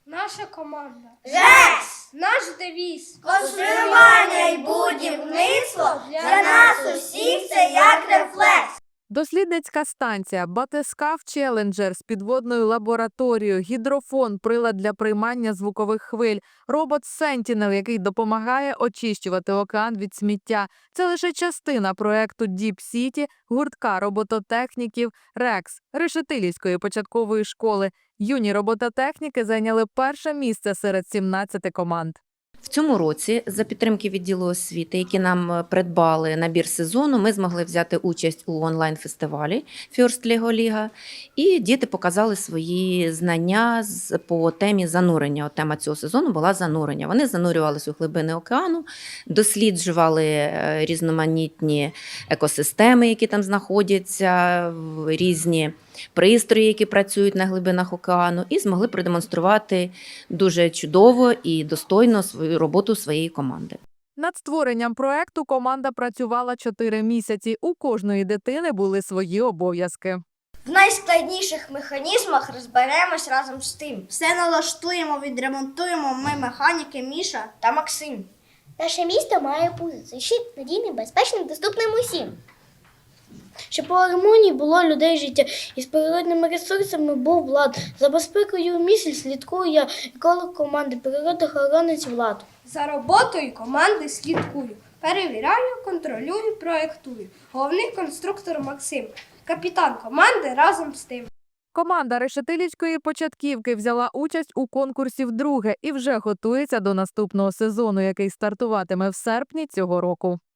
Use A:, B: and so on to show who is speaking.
A: Наша команда.
B: ЖЕКС!
A: Наш девіз.
B: Конструювання і будівництво для нас усіх це як рефлекс.
C: Дослідницька станція, батискаф Челенджер з підводною лабораторією, гідрофон, прилад для приймання звукових хвиль, робот Sentinel, який допомагає очищувати океан від сміття. Це лише частина проекту Deep City, гуртка робототехніків РЕКС, Решетилівської початкової школи. Юні робототехніки зайняли перше місце серед 17 команд.
D: В цьому році за підтримки відділу освіти, які нам придбали набір сезону, ми змогли взяти участь у онлайн-фестивалі First Lego Liga, і діти показали свої знання по темі занурення. От тема цього сезону була занурення. Вони занурювалися у глибини океану, досліджували різноманітні екосистеми, які там знаходяться, різні пристрої, які працюють на глибинах океану, і змогли продемонструвати дуже чудово і достойно свою роботу своєї команди.
C: Над створенням проекту команда працювала 4 місяці. У кожної дитини були свої обов'язки.
B: В найскладніших механізмах розберемось разом з тим.
E: Все налаштуємо, відремонтуємо ми механіки Міша
B: Та Максим.
F: Наше місто має бути защит надійним, безпечним, доступним усім. Щоб у гармонії було людей життя і з природними ресурсами був Влад. За безпекою місць слідкую я, еколог команди природоохоронець Влад.
A: За роботою команди слідкую. Перевіряю, контролюю, проєктую. Головний конструктор Максим. Капітан команди разом з тим.
C: Команда Решетилівської початківки взяла участь у конкурсі вдруге і вже готується до наступного сезону, який стартуватиме в серпні цього року.